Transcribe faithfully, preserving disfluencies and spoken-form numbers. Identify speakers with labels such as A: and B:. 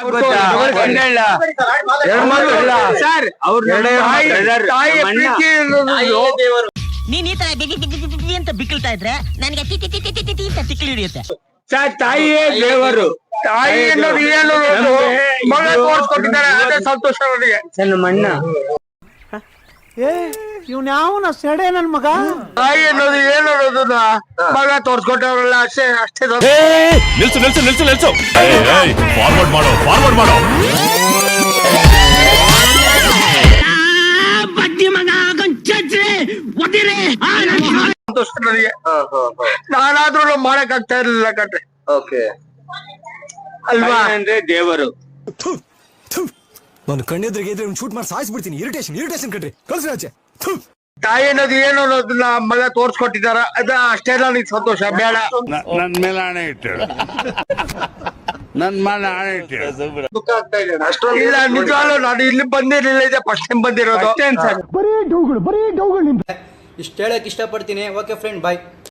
A: Sir
B: ನೀನ್ ಈ ತರ ಅಂತ ಬಿಕ್ಕಳ್ತಾ ಇದ್ರೆ ನನಗೆ ಅಂತ ತಿಕ್ಲಿ ಹಿಡಿಯುತ್ತೆ.
A: ಸರ್ ತಾಯಿಯೇ ದೇವರು, ತಾಯಿ ಅನ್ನೋದು ಏನು ಮಗ ತೋರಿಸ್ಕೊಟ್ಟಿದ್ದಾರೆ, ಅದೇ ಸಂತೋಷ ಅವರಿಗೆ. ನಮ್ಮಣ್ಣ
C: ಇವ್ನ ಯಾವನ ಸೆಡೆ ನನ್ ಮಗ.
A: ತಾಯಿ ಅನ್ನೋದು ಏನು ಅನ್ನೋದನ್ನ ಮಗ ತೋರ್ಸ್ಕೊಟ್ಟವ್ರಲ್ಲ, ಅಷ್ಟೇ ಅಷ್ಟೇ.
D: ನಿಲ್ಸು ನಿಲ್ಸು ನಿಲ್ಸು ನಿಲ್ಸು ಫಾರ್ವರ್ಡ್ ಮಾಡೋ ಫಾರ್ವರ್ಡ್ ಮಾಡೋ
A: ಸಂತೋಷ ನನಗೆ. ನಾನಾದ್ರೂ ಮಾಡಕ್ ಆಗ್ತಾ ಇರ್ಲಿಲ್ಲ ಕಟ್ರೆ. ಅಲ್ವಾ ಅಂದ್ರೆ ದೇವರು.
E: ನಾನು ಕಣ್ಣೆದ್ರಿಗೆ ಇದ್ರೆ ಶೂಟ್ ಮಾಡಿ ಸಾಯಿಸ್ಬಿಡ್ತೀನಿ. ಇರಿಟೇಷನ್ ಇರಿಟೇಷನ್ ಕಟ್ರಿ ಕಳ್ಸಿ ಆಚೆ.
A: ತಾಯಿ ಅನ್ನೋದು ಏನು ಅನ್ನೋದನ್ನ ಮಗ ತೋರ್ಸ್ಕೊಟ್ಟಿದಾರ, ಅದ ಅಷ್ಟೇ ನನಗೆ ಸಂತೋಷ. ಬೇಡ
D: ನನ್ ಮೇಲೆ ಹಣೆ ಇಟ್ಟು ನನ್ ಮೇಲೆ ಹಣೆ ಇಟ್ಟು
A: ದುಃಖ ಆಗ್ತಾ ಇದೆ. ಇಲ್ಲ ನಿಜವಾಗ್ಲೂ ನಾನು ಇಲ್ಲಿ ಬಂದಿರಲಿಲ್ಲ, ಇದೆ ಫಸ್ಟ್ ಟೈಮ್ ಬಂದಿರೋದು.
C: ಬರೀ ಡೌಗಳು ಬರೀ ಡೌಗಳು.
F: ಇಷ್ಟು ಹೇಳಕ್ ಇಷ್ಟಪಡ್ತೀನಿ. ಓಕೆ ಫ್ರೆಂಡ್, ಬಾಯ್.